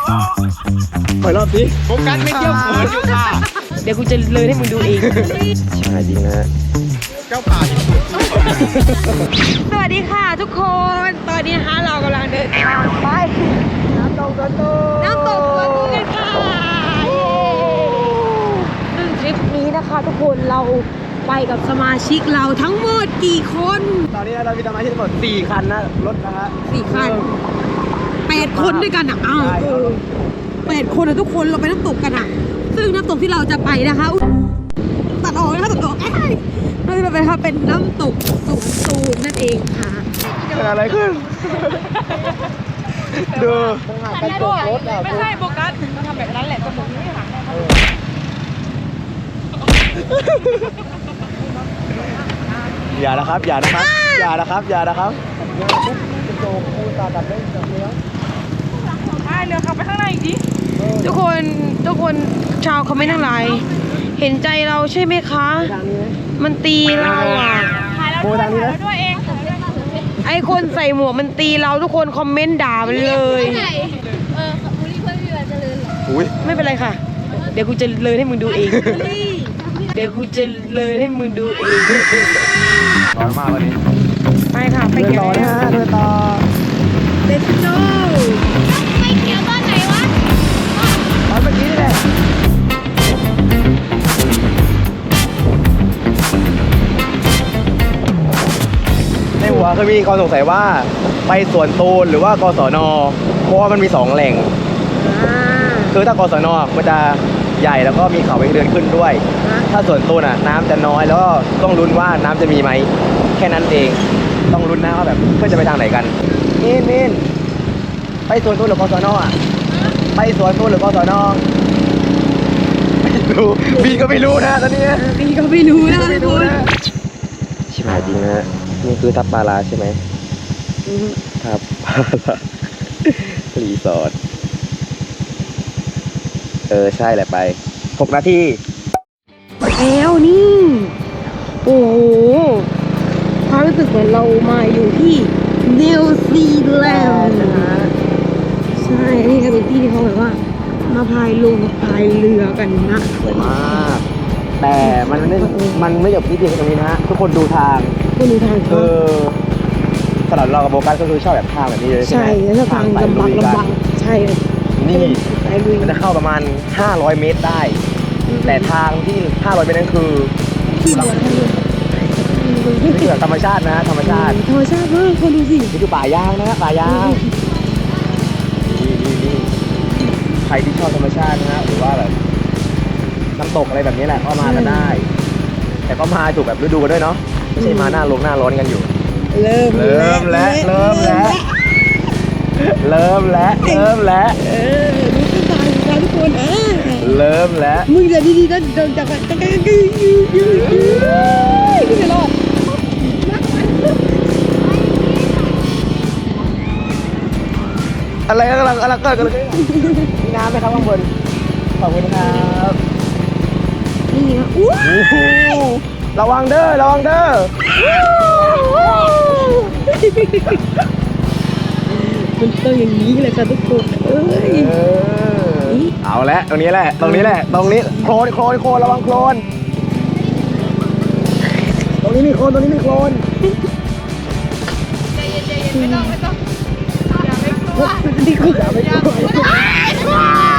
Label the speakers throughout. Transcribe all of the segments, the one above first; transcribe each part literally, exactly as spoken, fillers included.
Speaker 1: ปล่อยรอบสิ
Speaker 2: โฟกัสไม่เที่ยวเขินอยู่ค่ะ
Speaker 3: เดี๋ยวกูจะเลยให้มึงดูเอง
Speaker 1: ใช่จริงนะฮะ
Speaker 2: เจ้าป่าที่สุด
Speaker 3: สวัสดีค่ะทุกคน ตอนนี้นะคะเรากำลังเดินทางไปน้ำตกตัวตูน้ำตกตัวตูกันค่ะซึ่งทริปนี้นะคะทุกคนเราไปกับสมาชิกเราทั้งหมดกี่คน
Speaker 1: ตอนนี้เรามีสมาชิกทั้งหมดสี่คันนะรถนะฮะ
Speaker 3: สี่คันแปดคนด้วยกันอ่ะอ้าวเออแปดคนอะทุกคนเราไปน้ำตกกันอ่ะซึ่งน้ำตกที่เราจะไปนะคะตัดออกนะคะตัดออกไอ้เราจะไปค่ะเป็นน้ำตกสุกตูมนั่นเองค่ะ
Speaker 1: เกิดอะไรขึ้น ดูกันตกรถอ่ะ
Speaker 3: ไม่ใช่โฟกัสเราทำแบบนั้นแหละจมูกไม่หักแน่ครับ
Speaker 1: อย่านะครับ อย่านะครับ อย่านะครับ อย่านะครับโจกูตาดับได้จับเนื้อ
Speaker 3: ใช่เรือขับไปข้างในอีกทีทุกคนทุกคนชาวคอมเมนต์ทั้งหลายเห็นใจเราใช่ไหมคะ
Speaker 1: ทางนี้ไหม
Speaker 3: มันตีเราอ่ะ
Speaker 1: โบทางนี้นะ
Speaker 3: ไอคนใส่หมวกมันตีเราทุกคนคอมเมนต์ด่ามันเลย
Speaker 4: เออบุรีเพื่อนพี่เจริญเหรอ
Speaker 1: อุ้ย
Speaker 3: ไม่เป็นไรค่ะ เดี๋ยวกูจะเลยให้มึงดูเอง เดี๋ยวกูจะเลยให้มึงดูเอง
Speaker 1: ร้อนมากวันนี้
Speaker 3: ไปค่ะไป
Speaker 1: เดิน
Speaker 3: เกี่ยว
Speaker 1: ต่อนะฮะเดินต่อ
Speaker 3: Let's go
Speaker 4: ไม่เขียวตอนไหนวะ
Speaker 1: ตอนเมื่อกี้นี่แหละในหัวเคยมีความสงสัยว่าไปสวนตูนหรือว่ากศนเพราะว่ามันมีสองแหล่ง
Speaker 3: อ่า
Speaker 1: คือถ้ากศนมันจะใหญ่แล้วก็มีเขาเองเดินขึ้นด้วย
Speaker 3: ฮะ
Speaker 1: ถ้าส่วนตูนอ่ะน้ำจะน้อยแล้วก็ต้องลุ้นว่าน้ำจะมีไหมแค่นั้นเองต้องลุ้นนะว่าแบบเพื่อนจะไปทางไหนกันมินมินไปสวนตูนหรือกศนอ่ะไปสวนตูนหรือกศนไม่รู้บีก็ไม่รู้นะตอนนี้
Speaker 3: พี่ก็ไม่รู้นะ
Speaker 1: ไม่
Speaker 3: ทุก
Speaker 1: รู้
Speaker 3: คน
Speaker 1: นะชิบหายจริงนะฮะนี่คือทับปลาลาใช่ไหมทับปลาลารีสอร์ทเออใช่แหละไปหกนาที
Speaker 3: แล้วนี่ โอ้โหความรู้สึกเหมือนเรามาอยู่ที่นิวซีแลนด์นะคะใช่นี่ก็เป็นที่ที่เขาแบบว่า มาพายลงพายเรือกันนะ
Speaker 1: สวยมากแต่มันไม่มันไม่จบที่เพียงตรงนี้นะฮะทุกคนดูทาง
Speaker 3: คุณดูทาง
Speaker 1: เอ
Speaker 3: เขา
Speaker 1: อสำหรับเรากับโบกัสก็คือชอบแบบทางแบบนี้เลยใช่
Speaker 3: ใช่
Speaker 1: ไหม
Speaker 3: แล้วทาง
Speaker 1: สย
Speaker 3: ลำบาก
Speaker 1: ลุยกัน
Speaker 3: ลำบากใช่
Speaker 1: นี่
Speaker 3: สายลุย
Speaker 1: มันจะเข้าประมาณห้าร้อยเมตรได้ แต่ทางที่ห้าร้อยเมตรนั้นคือ
Speaker 3: ที่บวนทางเรือ
Speaker 1: นี่คือแบบธรรมชาตินะฮะธรรมชาติ
Speaker 3: ธรรมชาติมากคนดูสิ
Speaker 1: นี่คือป่ายางนะฮะป่ายางนี่นี่นี่ใครที่ชอบธรรมชาตินะฮะหรือว่าแบบน้ำตกอะไรแบบนี้แหละก็มากันได้ แต่ก็มาถูกแบบฤดูกันด้วยเนาะไม่ใช่มาหน้าลงหน้าร้อนกันอยู่
Speaker 3: เริ่ม
Speaker 1: เริ่มแล้วเริ่มแล้ว เริ่มแล้วเริ่มแล้ว
Speaker 3: เออดูขึ้นตาดูตาทุกคนเออ
Speaker 1: เริ่มแล้ว
Speaker 3: มึงจะดีๆนะเดินจากกันจากกันยืดยืดยืดยืดไม่รอด
Speaker 1: อะไรกำลังกำลังเกิดกันเลยมีน้ำไหมครับข้างบนขอบคุณครับ
Speaker 3: นี่นะอู้
Speaker 1: โอ้โหระวังเด้อระวังเด้อ
Speaker 3: มันต้องอย่างนี้เลยค่ะทุกคนเอ้ย
Speaker 1: เออเอาละตรงนี้แหละตรงนี้แหละตรงนี้โคลนโคลนโคลนระวังโคลนตรงนี้มีโคลนตรงนี้มีโคลน
Speaker 4: ใจเย็นใจเย็นไม่ต้องไม่ต้องอย่าไม่กลัว
Speaker 3: ดีกว่า
Speaker 1: อย่าไปกลัว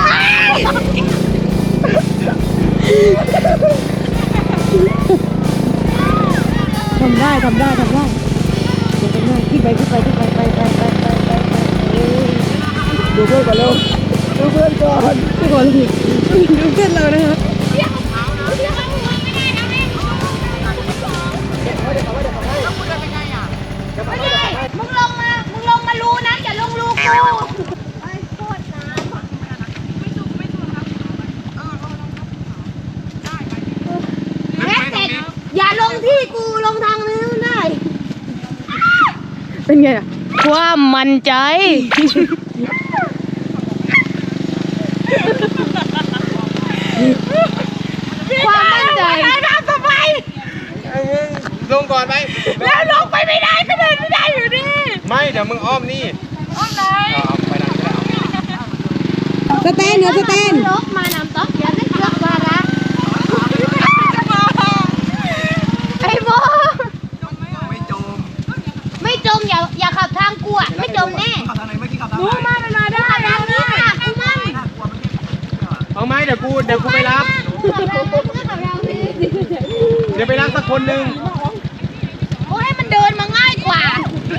Speaker 3: ทำได้ทำได้ทำได้ทำได้ขึ้นไปขึ้นไปขึ้นไปไปไปไปไปไปไปเออ
Speaker 1: ดูเพื่อนก่อนเร็วดูเพื่อนก่อน
Speaker 3: ทุกคนดูเพื่อนเรานะคะ
Speaker 4: เรียกเขาเรียกเขาไม่ได้นะแม่ไม่ได้มึงลงมามึงลงมารูนะอย่าลงรูกูไอ้โคตรน้ำไม่ถูกไม่ถูกครับแม่เสร็จอย่าลงที่กูลงทางนี้ได้
Speaker 3: เป็นไงอะความมั่นใจ
Speaker 4: ความมั่นใจทำทำไม
Speaker 2: ลงก่อนไป
Speaker 4: แล้วลงไปไม่ได้ก็เดินไม่ได้อยู่ดี
Speaker 2: ไม่เดี๋ยวมึงอ้อมนี่
Speaker 4: อ้อมไหน
Speaker 2: เอาไปนั่นก็ได้
Speaker 3: สแตนเหนือสแตน
Speaker 4: ลกมาน้ำต๊อกอย่าได้เลือกวาระไอ้โบ
Speaker 1: ไม่จม
Speaker 4: ไม่จมอย่าอย่าขับทางกูอ่ะไม่จมแน่
Speaker 1: ขับทางไหนเมื่อกี้ขับทาง
Speaker 4: รู้
Speaker 1: ไหน
Speaker 4: มามันมาได้ขับทางนี้ค่ะกูมั่ง
Speaker 2: เอาไหมเดี๋ยวกูเดี๋ยวกูไปรับ
Speaker 4: ขับทางนี้ขับทางนี้
Speaker 2: เดี๋ยวไปรับสักคนหนึ่ง
Speaker 4: โอ้ให้มันเดินมาง่ายกว่า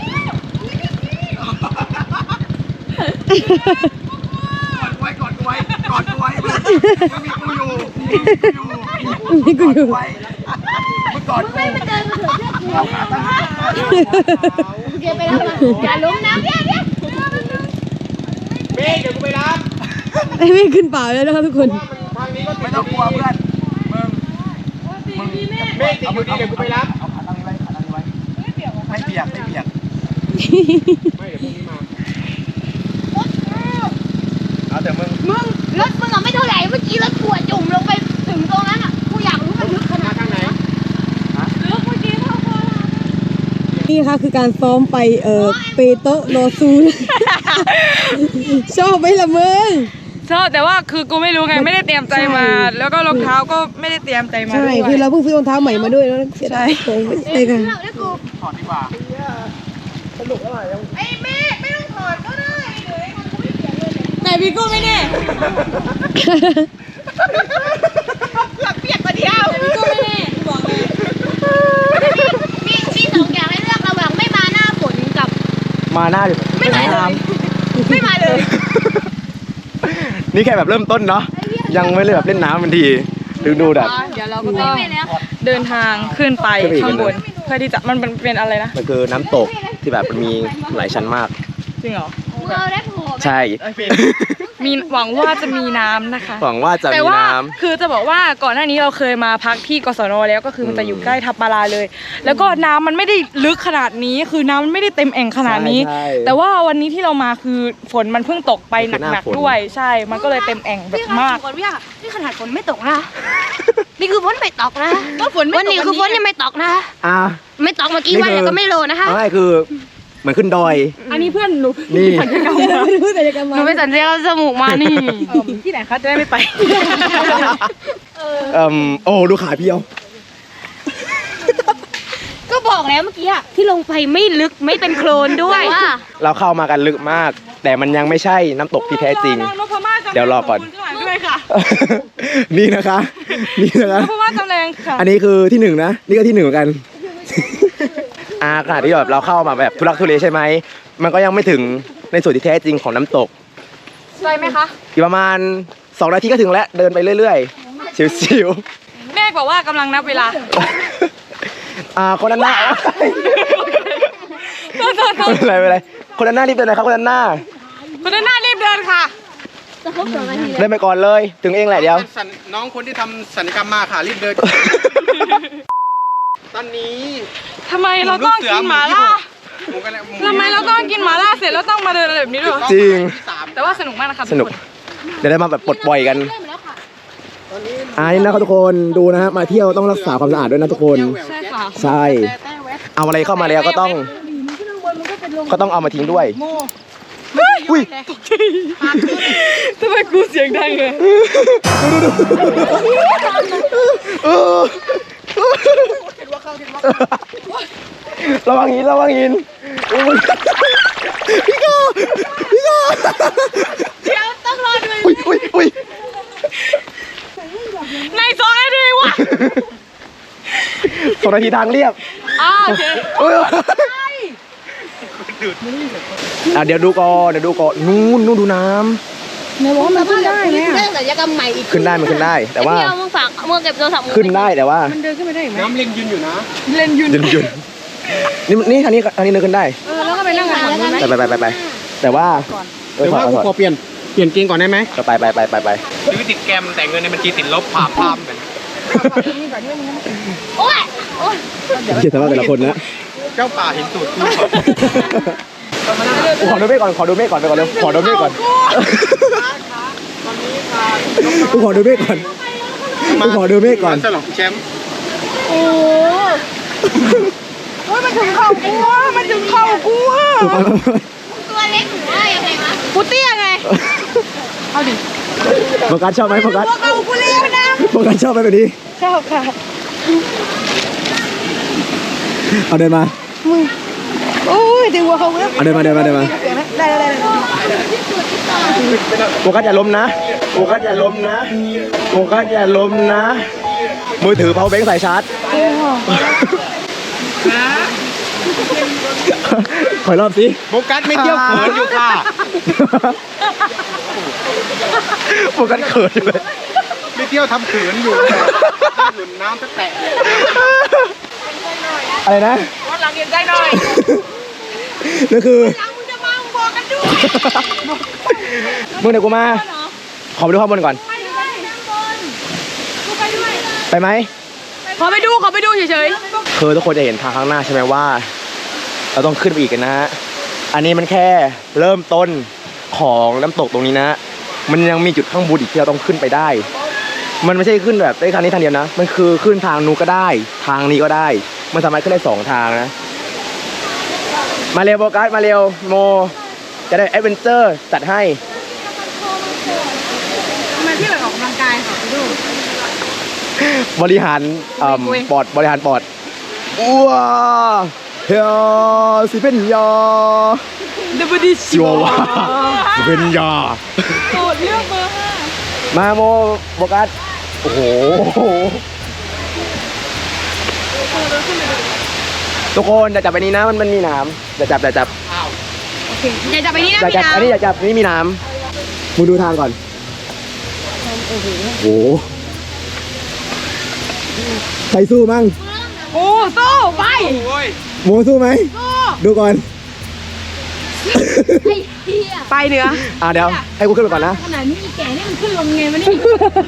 Speaker 1: ไว้กอดไว้กอดไว้ยังมีกูอยู่อยู่
Speaker 3: นี่กูอยู่
Speaker 1: ไว้มึงกอดกู
Speaker 4: ให้มันเดินมาเถอะเชื่อกูโอเคไปแล้วอย่าล้มนะเดี๋ยวเดี๋ยว
Speaker 2: เมฆเดี๋ยวกูไปรับ
Speaker 3: ไอ้เมฆขึ้นเปล่าแล้วนะครับทุกคน
Speaker 2: ทางนี้ก็
Speaker 1: ไม่ต้องกลัวเพื่อนมึงมึง
Speaker 2: เมฆติดอยู่ดีเดี๋ยวกูไปรับ
Speaker 1: เอาขาตั้งนี้ไว้ขาตั้งนี้ไว้ไม่เปียกไม่เปียก
Speaker 2: ไม่เดี๋ยวพรุ่งนี้มา
Speaker 1: เอาแต่มึง
Speaker 4: มึงรถมึงอ่ะไม่เท่าไหร่เมื่อกี้รถกูอ่ะจุ่มลงไปถึงตรงนั้นอ่ะกูอยากรู้มันลึกขนา
Speaker 2: มา
Speaker 4: ด
Speaker 2: ทางไหน
Speaker 4: ลึกเมื่อกี้เท่าไหร่
Speaker 3: นี่ค่ะคือการซ้อมไปเอ่อเปโตะโลซูน ชอบไหมล่ะมึง
Speaker 5: ชอบแต่ว่าคือกูไม่รู้ไงไม่ได้เตรียมใจมา แล้วก็รองเท้าก็ไม่ได้เตรียมใจมา
Speaker 3: ใช่
Speaker 5: ด้วย
Speaker 3: คือเราเพิ่งซื้อรองเท้าใหม่มาด้วยแล้วเสียดายของไม่ใช่ค่ะ
Speaker 4: แล้วกู
Speaker 2: ถอดดีกว่า
Speaker 4: ไอ้เมฆไม่ต้องถอดก็ได้เดี๋ยวไอ้มันกูไม่เสียเลย
Speaker 5: แต่พี่กูไม่แน่
Speaker 4: หลักเปียกกว่าเดียว
Speaker 5: แต่พี่กูไม่แน่กูบอกเลย
Speaker 4: มีมีสองอย่างให้เลือกระหว่างไม่มาหน้าฝนกับ
Speaker 1: มาหน้าดิ
Speaker 4: ไม่มาเลยไม่มาเลย
Speaker 1: นี่แค่แบบเริ่มต้นเนาะยังไม่เลยแบบเล่นน้ำมันทีดูดูแบบ
Speaker 5: เดี๋ยวเราก็ต้องเดินทางขึ้นไป
Speaker 1: ขึ้นไปอีก
Speaker 5: ข้างบน
Speaker 1: นะ
Speaker 5: เพื่อที่จะมันเป็นเป็นอะไรนะ
Speaker 1: มันคือน้ำตกที่แบบมันมีหลายชั้นมาก
Speaker 5: จริงเหรอ
Speaker 4: มึงเอาได้ผัวไหม
Speaker 1: ใช่
Speaker 5: มีหวังว่าจะมีน้ำนะคะ
Speaker 1: หวังว่าจะ
Speaker 5: แต่
Speaker 1: มี
Speaker 5: ว่า
Speaker 1: น้
Speaker 5: คือจะบอกว่าก่อนหน้านี้เราเคยมาพักที่กศนแล้วก็คือมันจะอยู่ใกล้ทับมาลาเลย แล้วก็น้ำมันไม่ได้ลึกขนาดนี้ คือน้ำมันไม่ได้เต็มแอ่งขนาดนี้
Speaker 1: ใช่
Speaker 5: แต่ว่าวันนี้ที่เรามาคือฝนมันเพิ่งตกไปหนักๆด้วยใช่ มันก็เลยเต็มแอ่งแบบมาก
Speaker 4: ก่อนพี่อะนี่ขนาดฝนไม่ตกนะ นี่คือฝนไม่ตกนะ
Speaker 5: ก็ฝนไม่ตก
Speaker 4: วันนี้คือฝนยังไม่ตกนะ
Speaker 1: ำอ่ะ
Speaker 4: ไม่ตกเมื่อกี้วันแล้วก็ไม่โลนะคะ
Speaker 1: ไม่คือเหมือนขึ้นดอย
Speaker 5: อันนี้เพื่อนหนู
Speaker 1: นี่
Speaker 3: ไม่รู้แต่จะกัน
Speaker 4: ห
Speaker 3: มา
Speaker 4: นูไปสัญญาจมูกมานี่
Speaker 5: เออที่ไหนคะจะได้ไม่ไป
Speaker 1: เอ่มโอ้ดูขาเพียว
Speaker 4: ก็บอกแล้วเมื่อกี้อะที่ลงไปไม่ลึกไม่เป็นโคลนด้วย
Speaker 1: เราเข้ามากันลึกมาก แต่มันยังไม่ใช่น้ำตกที่แท้จริง เดี๋ยวรอก่อน
Speaker 5: ด้วยค่ะ
Speaker 1: นี่นะคะ นี่นะคะ
Speaker 5: เพราะว่าจำแรงค่ะ
Speaker 1: อันนี้คือที่หนึ่งนะ นี่ก็ที่หนึ่งเหมือนกัน อาขนาดที่แบบเราเข้ามาแบบทุลักทุเลใช่ไหม มันก็ยังไม่ถึงในส่วนที่แท้จริงของน้ำตก
Speaker 5: ใช่ไหมคะ
Speaker 1: อีกประมาณสองนาทีก็ถึงแล้ว เดินไปเรื่อยๆ ชิว
Speaker 5: แม่บอกว่ากำลังนับเวลา
Speaker 1: ๆ อ่าคนนั้นหน้า
Speaker 5: โทษโทษโท
Speaker 1: ไม่
Speaker 5: ษ
Speaker 1: เป็นไรไม่เป็นไรคนนั้นหน้ารีบเดินหนะครับคนนั้นหน้า
Speaker 5: คนด้านหน้ารีบเดินค่ะ
Speaker 4: จะครบสองนาที
Speaker 1: เดินไปก่อนเลย ถึงเองแหละเดี๋ยว
Speaker 2: สัญน้องคนที่ทำสัญญกรรมมาค่ะรีบเดิน ตอนนี้
Speaker 5: ทำไมเราต้องกินหมาล่า
Speaker 2: ผมก็เลยผม
Speaker 5: ทำไมเราต้องกินหมาล่าเสร็จแล้วต้องมาเดินอะไรแบบนี้ด้วยวะ
Speaker 1: จริง
Speaker 2: ที่สาม
Speaker 5: แต่ว่าสนุกมากนะคะ
Speaker 1: สนุก
Speaker 5: ทุค
Speaker 1: เดี๋ยวได้มาแบบปลดปล่อยกันอ่านี่นะครับทุกคนดูนะฮะมาเที่ยวต้องรักษาความสะอาดด้วยนะทุกคน
Speaker 5: ใช่ค่ะ
Speaker 1: ใช่ เอาอะไรเข้ามาแล้วก็ต้อง ก็ต้องเอามาทิ้งด้วยอุ้ย
Speaker 5: ทำไมกูเสียงดังเลย
Speaker 1: เออระวังหินระวังหินอุ๊ยพี่โก้พี่โก้
Speaker 4: เดี๋ยวต้องรอดู
Speaker 1: อุ้ยอุ้ยอุ้ย
Speaker 5: ในสองนาทีวะ
Speaker 1: สองนาทีทางเรียบ
Speaker 5: อ้าโอเค
Speaker 1: เอ้ยอ่ะเดี๋ยวดูก่อนเดี๋ยวดูก่อนนู่นนู่นดูน้
Speaker 3: ในบอกว่ามันขึ้นได้ไหม
Speaker 4: เรื่
Speaker 3: อ่ะ
Speaker 4: องศัลยกรรมใหม่อีก
Speaker 1: ำขึ้นได้มันขึ้นได้ แต่ว่า
Speaker 4: เดี๋ยวมึงฝากมึงเก็บโทรศัพท์มึง
Speaker 1: ขึ้นได้แต่ว่า
Speaker 3: มันเดินขึ้นไปได้ไหม
Speaker 2: น้ำเล็งยืนอยู่นะ
Speaker 5: เล่นยืน
Speaker 1: หยุดหยุดนี่นี่ทางนี้ทางนี้เดินขึ้นได้
Speaker 3: เออแล้วก็ไปนั่งกันฝั่งนู้นไหม
Speaker 1: ไปไปไปไปไปแต่ว่าเออ
Speaker 2: เดี๋ยว
Speaker 1: ถอ
Speaker 2: ว่า
Speaker 1: ด
Speaker 2: กู
Speaker 1: ถอด
Speaker 2: ขอเปลี่ยนเปลี่ยนเกงก่อนได้ไหม
Speaker 1: ก็ไปไปไปไปไป
Speaker 2: ซื้อติดแกรมแต่เงินในบัญชีติดลบผ่ามพามเหมือน
Speaker 4: โอ้ยโอ้ย
Speaker 1: เขียนสภาพแต่ละคนนะ
Speaker 2: เจ้าป่าเห็นตูดกู
Speaker 1: ขอดูเมฆก่อนขอดูเมฆก่อนไปก่อนเร็วขอดูเมฆก่อนกูขอดูเมฆก่อนกูขอดูเมฆก่อน
Speaker 2: ฉลองแชมป์
Speaker 5: โอ้โหมันถึงเข่ากูอ่ะมันถึงเข่ากูอ่ะ
Speaker 4: ตัวเล็กหรือว่ายังไงวะ
Speaker 5: กูเตี้ยไง
Speaker 1: ไ
Speaker 5: เอาดิ
Speaker 1: โฟกัสชอบไหมโฟกัส
Speaker 4: เอากูเลี้ยวนะ
Speaker 1: โฟกัสชอบไหมแบบนี้
Speaker 5: ชอบค่ะ
Speaker 1: เอาเดินมา
Speaker 3: โอ้ยดึงหัวเขาแล้ว
Speaker 1: เอาเดินมาเดินมาเดินมา
Speaker 3: ได้ได้ได้
Speaker 1: โฟกัสอย่าล้มนะโฟกัสอย่าล้มนะโฟกัสอย่าล้มนะ มือถือเพาแบงค์ใส่ชาร์จขอรอบสิ
Speaker 2: โฟกัสไม่เที่ยวเขินอยู่ค่ะ
Speaker 1: โฟกัสเขินเลย
Speaker 2: ไม่เที่ยวทำเขินอยู่หลุนน้ำจะแตะ
Speaker 1: อะไรนะ
Speaker 5: วันหลังเห็นใจหน่อย
Speaker 1: นั่นคือ
Speaker 4: หลังมึงจะมามึงบอกกันด้วย
Speaker 1: มึงเดี๋ยวกูมา ขอไปดูข้างบนก่อน
Speaker 4: ไปด้วยนั่งบนกูไปด้วย
Speaker 1: ไปไหม
Speaker 5: ขอไปดูขอไปดูเฉย
Speaker 1: คือทุกคนจะเห็นทางข้างหน้าใช่ไหมว่า เราต้องขึ้นไปอีกกันนะฮะ อันนี้มันแค่เริ่มต้นของน้ำตกตรงนี้นะ มันยังมีจุดข้างบนอีกที่เราต้องขึ้นไปได้ มันไม่ใช่ขึ้นแบบได้ทางนี้ทางเดียวนะ มันคือขึ้นทางนู้นก็ได้ ทางนี้ก็ได้ มันสามารถขึ้นได้สองทางนะ มาเร็วโบกัสมาเร็วโม จะได้แอดเวนเจอร์จัดให้
Speaker 5: ๆมาที่แบบออกกำลังกายค่ะไปดู
Speaker 1: บริหารเอ่อ
Speaker 5: คุย
Speaker 1: ปอดบริหารปอดว้าเฮียสิเป็นยา
Speaker 5: เดบดิ
Speaker 1: ชัวว่าสิเป็นยา
Speaker 5: โสดเลือกเบอร์ห้า
Speaker 1: มาโมโบกัสโอ้โหทุกคนจะจับไปนี้นะมันมันมีน้ำจะจับจะจับ
Speaker 4: อย่าจับไปนี่นะ
Speaker 1: จะ
Speaker 4: พี่
Speaker 1: จับ
Speaker 4: น้ำ
Speaker 1: อันนี้จะจับอันนี้มีน้ำมึงดูทางก่อนโอ้โหใครสู้มั่ง
Speaker 5: โอ้สู้ไป
Speaker 2: โอ้ย
Speaker 1: โมสู้ไหมดูก่อน
Speaker 4: ไอ้เหี้ย
Speaker 5: ไปเหนือ
Speaker 1: อ่าเดี๋ยวให้กูขึ้นไปก่อนนะ
Speaker 4: ขนาดนี้อีแก่นี่มันขึ้นลงไงวะนี่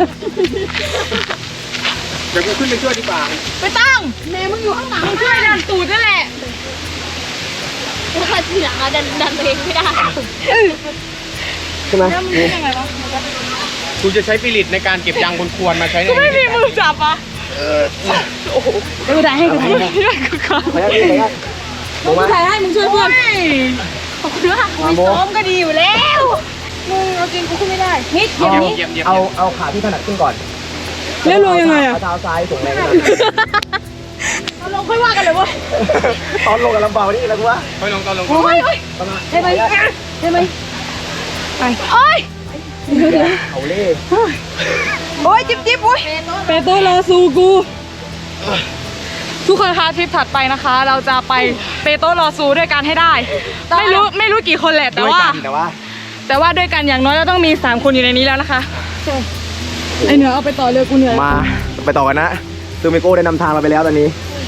Speaker 2: เดี๋ยวกูขึ้นไปช่วยดีกว่า
Speaker 5: ไปตั้ง
Speaker 4: แม่มึงอยู่ข้างหลัง
Speaker 5: มึงช่วยดันตูดนั่นแหละ
Speaker 4: แล้วก็ทีหลังอะดันดันตัวเองไม่ได้
Speaker 1: ใช่ไหม
Speaker 5: แล้วมึงยังไงวะ
Speaker 2: กูจะใช้ฟิลิตในการเก็บยางบนควรมาใช้ใน
Speaker 5: กูไม่มีมือจับอ่ะ
Speaker 3: ดูได้ให้กูถ่าย
Speaker 5: ไม่ได้กูขาด
Speaker 1: ไปแล้วไปแล้วโมมา
Speaker 3: ถ่ายให้มึงช่วยเพื่อน
Speaker 5: ขอบคุณด้วย
Speaker 1: มาโม
Speaker 5: ซ้อมก็ดีอยู่แล้ว
Speaker 3: มึงเอาจริงกูขึ้นไม่ได้นิด
Speaker 1: เอา
Speaker 2: เหยียบเหยียบ
Speaker 1: เอาเอาขาที่ถนัดขึ้นก่อน
Speaker 3: แล้วลงยังไงอะ
Speaker 1: เอาเท้าซ้ายส่งแรงนะ
Speaker 5: เราลงค่อยว่ากันเลยเว้ย
Speaker 1: ตอนลงกับลำบากนี่แล้วกูว่า
Speaker 2: ค่อยลงตอนลง
Speaker 5: โอ้ยโอ้ย
Speaker 3: ได้ไหมได้ไหม
Speaker 5: โอ้ย
Speaker 1: เอาเล่
Speaker 5: โอ้ยจิ๊บจิ๊บโอ้ย
Speaker 3: เปโต้ลาซูกู
Speaker 5: ทุกคนคะทริปถัดไปนะคะ เราจะไปเปโตรลอซูด้วยกันให้ได้ ไม่รู้ไม่รู้กี่คนแหละแต่ว่า
Speaker 1: ด้วยกันแต่ว่า
Speaker 5: แต่ว่าด้วยกันอย่างน้อยเราต้องมีสามคนอยู่ในนี้แล้วนะคะ
Speaker 3: ไอเหนือเอาไปต่อเรือกูเหนื่อย
Speaker 1: มาไปต่อกันนะซูมิโก้ได้นำทางเราไปแล้วตอนนี้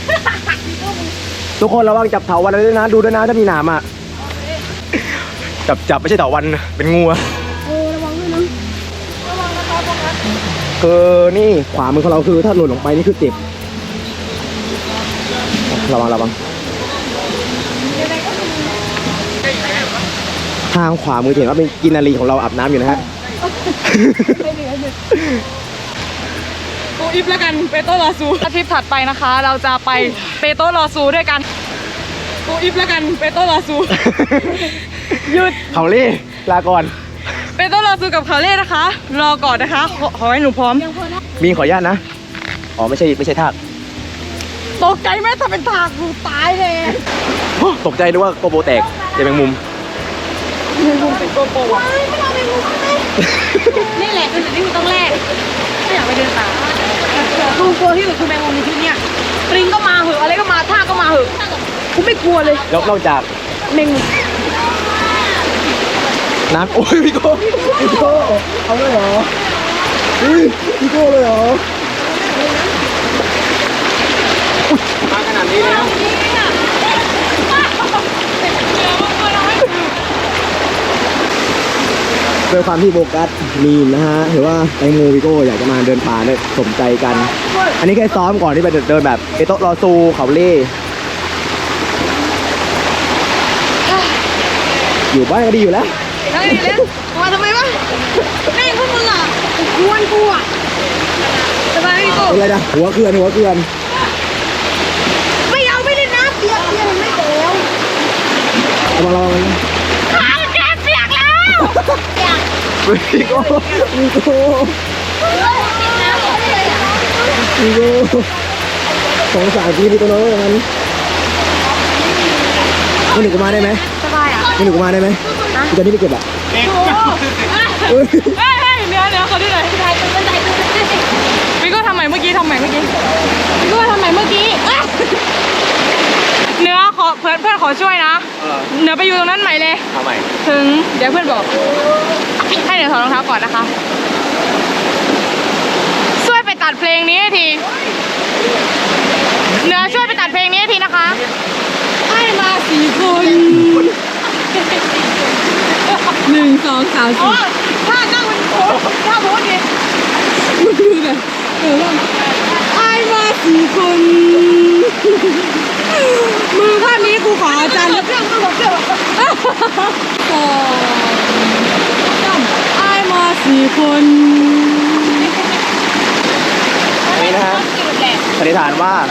Speaker 1: ทุกคนระวังจับเถาวันด้วยนะดูด้วยนะถ้ามีหนามอ่ะจับจับไม่ใช่เถาวันเป็นงูอะ
Speaker 3: เออระวังด้วยนะ
Speaker 1: คือนี่ขวามือของเราคือถ้าหล่นลงไปนี่คือเจ็บระวังระวังทางขวามือจะเห็นว่าเป็นกินนารีของเราอาบน้ำอยู่นะฮะ
Speaker 5: กูอิฟแล้วกันเปโตรลอซูทริปถัดไปนะคะ เราจะไปเปโตรลอซูด้วยกันกูอิฟแล้วกันเปโตรลอซู หยุด
Speaker 1: เขาเล่ลาก่อน
Speaker 5: เปโตรลอซูกับคาเล่นะคะ รอก่อนนะคะขอขอให้หนูพร้อม
Speaker 1: มีขออนุญาตนะอ๋อไม่ใช่ไม่ใช่ทาก
Speaker 5: ตกใจไหมถ้าเป็นถากกูตายเลย
Speaker 1: ตกใจนึกว่าโกโบแตกเจะเป็นมุม
Speaker 5: นี่แหละคือสิ่งที่กูต้องแลกไม่อยากไปเดินตามกูกลัวที่สุดคือแมงมุมในชีวิตเนี่ยปริงก็มาเหอะอะไรก็มาท่าก็มาเหอะกูไม่กลัวเลย
Speaker 1: แล้วนอกจาก
Speaker 5: แมงมุม
Speaker 1: น้ำโอ้ยพี่โก้พี่โก้เอาเลยเหรออุ้ยพี่โก้เลยเหรอ
Speaker 2: มาขนาดนี้แล้ว
Speaker 1: ด้วยความที่โบกัสมีนนะฮะหรือว่าแตงโมวิโก้อยากจะมาเดินป่าเนี่ยสมใจกัน อันนี้แค่ซ้อมก่อนที่ไปเดินแบบเอโตะรอซูเขาเล่อยู่บ้านก็ดีอยู่แล้ว
Speaker 5: นั่งดีเล่นมาทำไมวะแม่งพวกมึงอ่ะกวนกูอ่ะสบายพี่โก้
Speaker 1: เป็นไรนะหัวเกลือนหัวเกลือน
Speaker 5: ไม่เอาไม่เล่นน้ำเปียกเปียกไม่เต๋ว
Speaker 1: เอามาลอง
Speaker 5: ขาแกเปียกแล้ว
Speaker 1: วิโก้วิโก้วิโก้สองสามทีนี่ตัวน้อยมันมึงหนึ่งกูมาได้ไหม
Speaker 5: สบายอ่ะ
Speaker 1: มึงหนึ่งกูมาได้ไหมกูจะนี่ไปเก็บอ่ะ
Speaker 2: เด็ก
Speaker 1: เฮ้ย
Speaker 5: เฮ้ยเฮ้ยเนื้อเนื้อเขาด้วยเลยพี่ก็ทำใหม่เมื่อกี้ทำใหม่เมื่อกี้พี่ก็ทำใหม่เมื่อกี้เอ้ยเนื้อขอเพื่อนเพื่อนขอช่วยนะ
Speaker 1: เออ
Speaker 5: เนื้อไปอยู่ตรงนั้นใหม่เลย
Speaker 1: ทำไม
Speaker 5: ถึงเดี๋ยวเพื่อนบอกให้เดี๋ยวถอดรองเท้าก่อนนะคะ ช่วยไปตัดเพลงนี้ให้ทีเนื้อช่วยไปตัดเพลงนี้ให้ทีนะคะให้มาสี่คนหนึ่งสองสามสี่ถ้านั่งมันโพสถ้าโพสดิมึงดูแบบเออให้มาสี่คนมือภาพนี้กูขออาจารย์เพื่อนกูบอกเพื่อนสองไอ้มาสี่คน
Speaker 1: นี่นะฮะสันนิษฐานว่า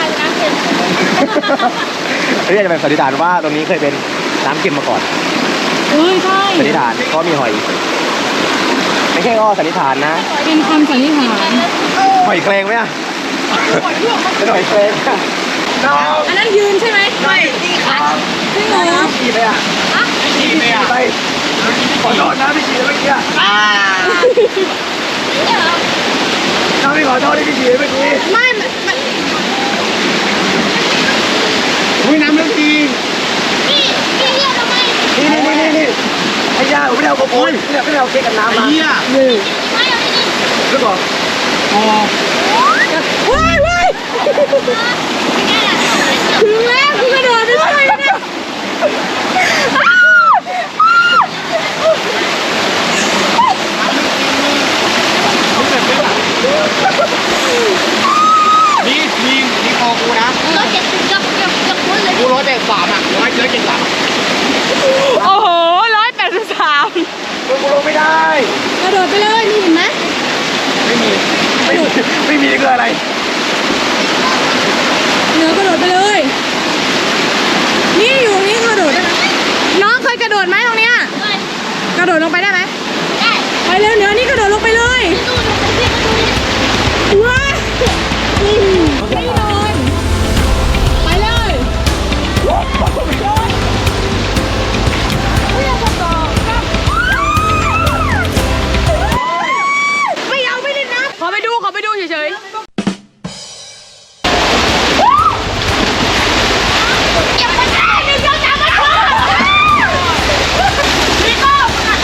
Speaker 1: เรียกจะเป็นสันนิษฐานว่าตรงนี้เคยเป็นน้ำเค็มมาก่อน
Speaker 5: เอ้ยใช่
Speaker 1: สันนิษฐานเพราะมีหอย ไม่ใช่ก็สันนิษฐานนะ
Speaker 5: เป็นคำสันนิษฐาน
Speaker 1: หอยแครงไหมอ่ะเป็นหอยแครง
Speaker 5: อันนั้นยืนใช่ไหมไม่ที่ขาจริงเหรอ
Speaker 1: ขี่ไปอ่ะ
Speaker 2: ขี่ไปอ่ะ
Speaker 1: ไปขอโทษนะพี่ขี่เมื่อกี้อ่ะน้องพี่ขอโทษที่พี่ขี่เมื่อกี้
Speaker 5: ไม่มัน
Speaker 2: อุ้ยน้ำเรื่องจริง
Speaker 4: พี่พี่เรียกทำไม
Speaker 1: นี่นี่นี่นี่ไอ้ย่าผมไม่ได้เอากระโปรงไม่ได้ไม่ได้เอาเค้กกับน้ำ
Speaker 2: ไอ้
Speaker 1: มา
Speaker 2: เหี้ย
Speaker 1: นี่
Speaker 4: ไม่เอาดิ
Speaker 1: แล้วบอก
Speaker 2: อ๋อ
Speaker 5: ว้ายว้ายถึงแล้วกูกระโดดไปช่วยเนี่ย
Speaker 2: นี่นี่นี่คอกูนะ
Speaker 4: เราเจ็ดสิบกับกับกับคุณเลย
Speaker 2: กูร้อยแปดสามอ่ะร้อยร้อยเจ็ดสาม
Speaker 5: โอ้โหร้อยแปดสิบสาม
Speaker 1: มึงกูลงไม่ได้
Speaker 5: กระโดดไปเลยนี่เห็นไหม
Speaker 1: ไม่มีไม่มีไม่มีคืออะไร
Speaker 5: เนื้อกระโดดไปเลย นี่อยู่นี่กระโดดได้ไหมน้องเคยกระโดดไหมตรงเนี้ยกระโดดลงไปได้ไหม
Speaker 4: ได้
Speaker 5: ไปเร็วเนื้อนี่กระโดดลงไปเลย
Speaker 4: ดูดูพี่มาดูดิ
Speaker 5: ว้ายไม่นอนไปเลยไม่เอาไม่เล่นนะขอไปดูขอไปดูเฉยๆ
Speaker 4: เก็บมันได้หนึ่งสองสามมาช่วยพี่โก้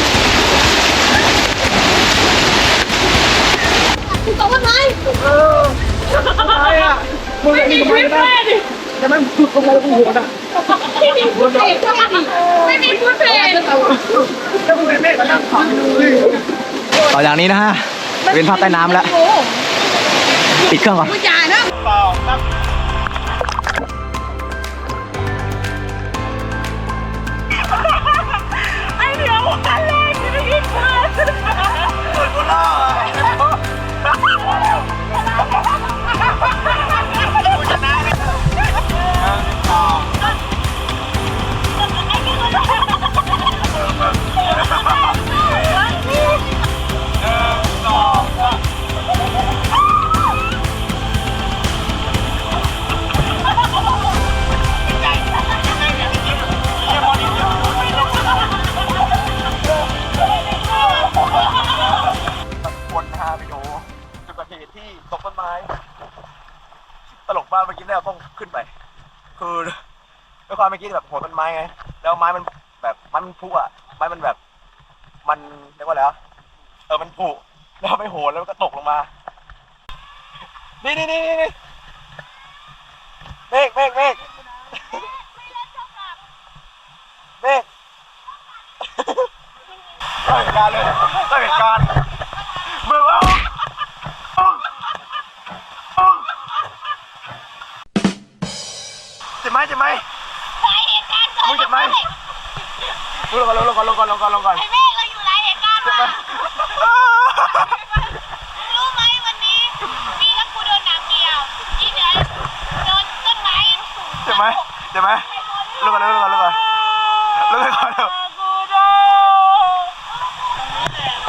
Speaker 4: มึงตกต้นไม้
Speaker 1: อะไรอ่ะมึงไม่มีทำไมนะแต่มันฝึกลงมาแล้วกูหัวน่ะ
Speaker 4: ไม่มีพูดเพลงไม่มีพูดเพลง
Speaker 1: แล้วมึงเป็นเมฆมานั่งขับเลยต่อจากนี้นะฮะเป็นภาพใต้น้ำแล้วปิดเครื่องก่อน
Speaker 5: มึงอย่านะ
Speaker 2: เปล่าครับ
Speaker 5: ไอเดียววันแรกที่ได้ยินเพื่อน
Speaker 1: คนพาไปดูจุดเกิดเหตุที่ตกต้นไม้ตลกมากเมื่อกี้เนี่ยต้องขึ้นไป คือด้วยความเมื่อกี้แบบโหนต้นไม้ไงแล้วไม้มันแบบมันพุอ่ะไม้มันแบบมันเรียกว่าอะไรวะเออมันผุแล้วไปโหนแล้วมันก็ตกลงมา นี่นี่นี่นี่เมฆเมฆเมฆเมฆได้เหตุการณ์เลยได้เหตุการณ์เมื่อว่าเจ็บไหมเจ็บไหม
Speaker 4: หลายเหตุการณ์เกิด
Speaker 1: มึงเจ็บไหมลงก่อนลงก่อนลงก่อนลงก่อนลงก่อน
Speaker 4: ไอ้เมฆเราอยู่หลายเหตุการณ์
Speaker 1: เจ็บไหม
Speaker 4: มารู้ไหมวันนี้พี่กับกูโดนหนังเดียวอีเหนือโดนต้นไม้ยังสูง
Speaker 1: เจ็บไหมเจ็บไหมลงก่อนลงก่อนลงก่อนลงก่อนลง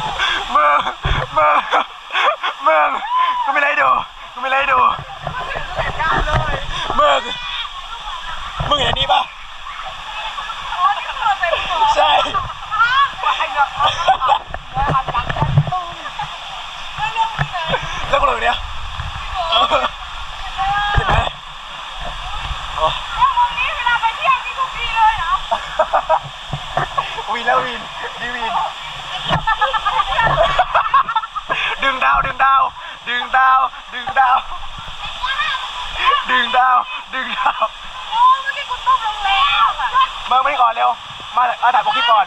Speaker 1: ดาว ดึงดาว ดึงดาว ดึงดาว
Speaker 4: โอ้เมื่อกี้กูตุ้มลงแล้วอะ
Speaker 1: เมื่อไม่ก่อนเร็ว มาเอาถ่ายโปรคลิปก่อน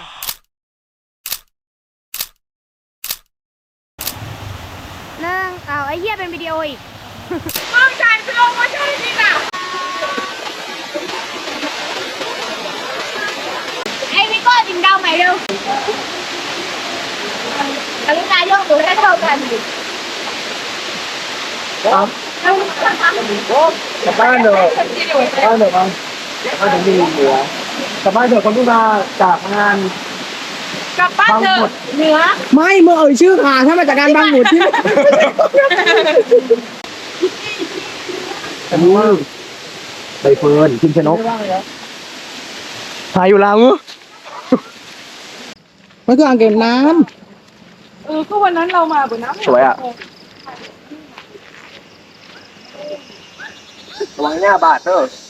Speaker 3: เรื่องเอาไอ้เหี้ยเป็นวิดีโออีก
Speaker 4: มึงจ่ายสโลโมชั่นจริงอ่ะไอ้พี่ก็ดึงดาวใหม่เร็วกรุณายกตัวให้เท่ากันดิ
Speaker 1: ครับกลับบ้านเถอะบ้านเถอะครับบ้านถึงดีเหนือกลับบ้านเถอะคนที่มาจากงาน
Speaker 4: กลับบ้านเถอะเหนือ
Speaker 5: ไม่เมื่อเอ่ยชื่อค่ะถ้ามาจากการบางหมุดที่
Speaker 1: อันนี้ใบเฟิร์นพิมชนกถ่ายอยู่แล้วง
Speaker 5: มันคืออ่างเก็บน้ำเออก็วันนั้นเรามาบนน้ำ
Speaker 1: สวยอ่ะระวังหน้าบาดเด้อ